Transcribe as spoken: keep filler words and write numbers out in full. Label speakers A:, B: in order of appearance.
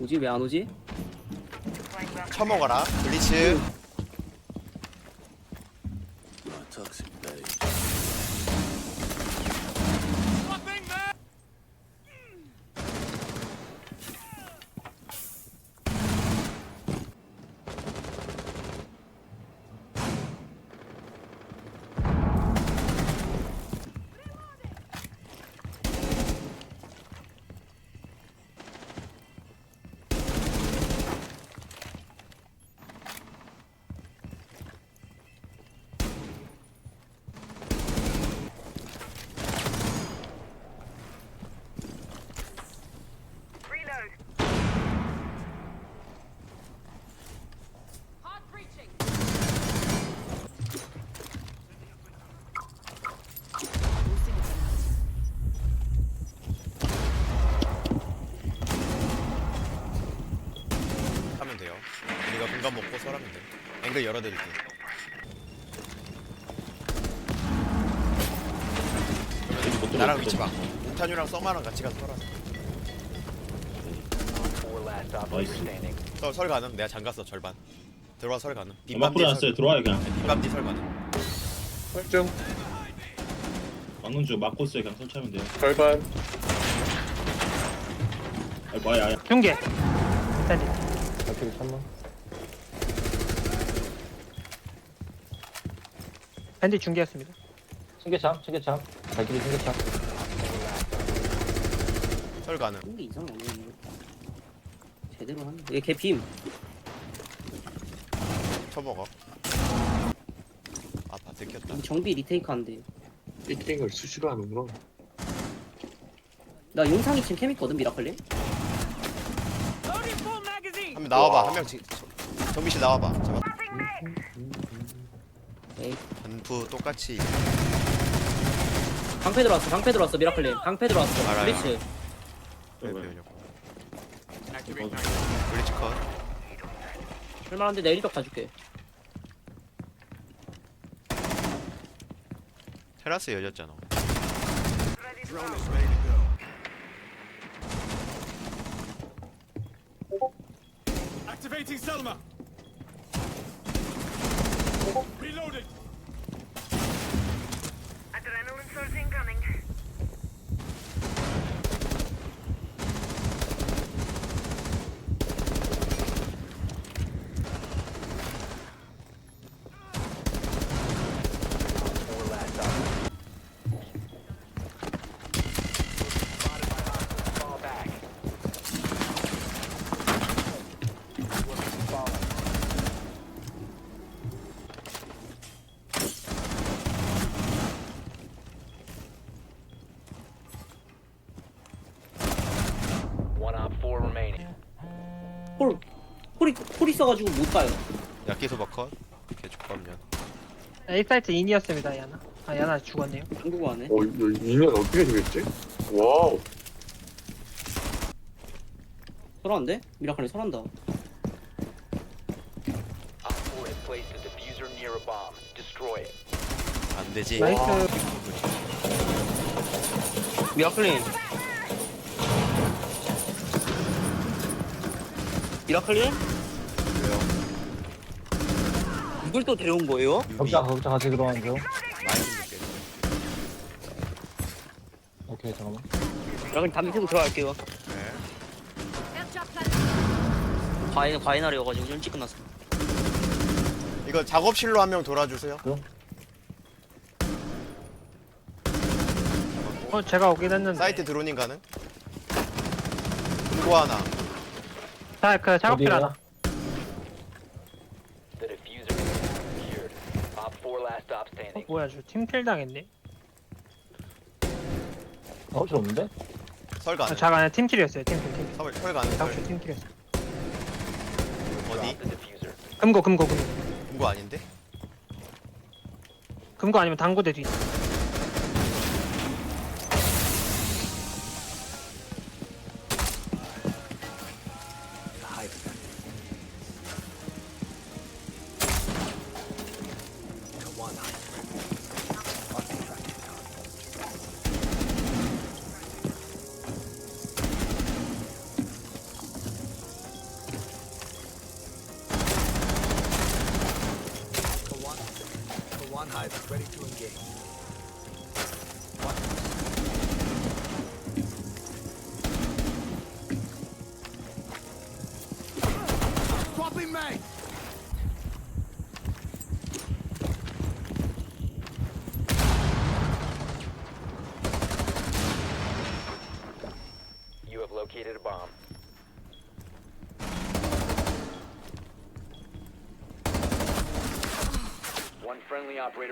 A: 오지? 왜 안 오지?
B: 처먹어라 블리츠. 하면 돼요. 우리가 공간 먹고 설하면 돼. 앵글 열어드릴게. 그러면 나랑 위치 봐. 옥탄유랑 써마랑 같이 가서 설하. 설, 설 가능? 내가 잠갔어 절반. 들어와 설 가능.
C: 막 뿌려놨어요. 들어와요 그냥.
B: 빗밤뒤 설 가능.
D: 설정
C: 막는 중 막고 있어요. 그냥 설치하면 돼요.
D: 절반.
C: 아이고 아야 아야.
E: 중계. 일단
D: 어떻게 참나?
E: 밴드 중계였습니다.
D: 승계참, 승계참. 발길이 승계참.
B: 설 가능.
A: 이게 이상하네. 이거. 제대로 하네. 얘 개핌.
B: 쳐먹어. 아파 들켰다.
A: 정비 리테이크 한대.
D: 일 땡을 수시로 하는구나.
A: 나 용상 이 층 캠 있거든, 미라클님?
B: 한 명 나와봐. 한 명 정비실 나와봐. 잡아.
A: 에이.
B: 반프 똑같이.
A: 방패 들어왔어, 방패 들어왔어, 미라클님. 방패 들어왔어.
B: 알아요.
A: 블리츠.
B: 왜 배우냐고. 블리츠 컷.
A: 할만한데 내가 일벽 다 줄게.
B: 테라스 열렸잖아.
F: Activating Selma. Reloading.
G: Adrenaline source incoming.
H: One op four remaining.
A: 홀, 홀이, 홀 있어가지고 못 가요.
B: 야끼소바 컷. 개축밥년.
E: A 사이트 인이었습니다. 야나. 아 야나 죽었네요.
A: 한국어 안 해.
D: 어, 이 인연 어떻게 되겠지? 와우.
A: 설한데? 미라클님 설한다.
H: Op four has placed a diffuser near a bomb. Destroy it.
B: 안 되지.
E: 나이스.
A: 미라클님. 미라클님?
B: 왜요?
A: 이걸 또 데려온 거예요?
B: 유비.
D: 걱정, 걱정 같이 들어가는 중.
B: 많이 좀 줄게.
D: 오케이, 잠깐만.
A: 미라클님 담배 피고 들어갈게요.
B: 네.
A: 과인, 과인하려가지고 좀 일찍 끝났어.
B: 이거 작업실로 한 명 돌아주세요.
E: 어 제가 오긴 했는데.
B: 사이트 드로닝 가능? 금고 하나.
E: 자그 작업실 하나.
H: The diffuser has been secured. Op four last stop
E: 어,
H: standing.
E: 뭐야 저 팀킬 당했네.
D: 작업실 없는데?
B: 설
E: 아,
B: 가능.
E: 자가 아니라 팀킬이었어요. 팀킬 팀킬.
B: 설, 설 가능. 설.
E: 작업실 팀킬이었어.
B: 어디?
H: Drop the diffuser.
E: 금고 금고 금고.
B: 금고 아닌데?
E: 금고 아니면 당구대 뒤.
I: Swan Hive is ready to engage. Swapping mag!
H: You have located a bomb. One friendly operator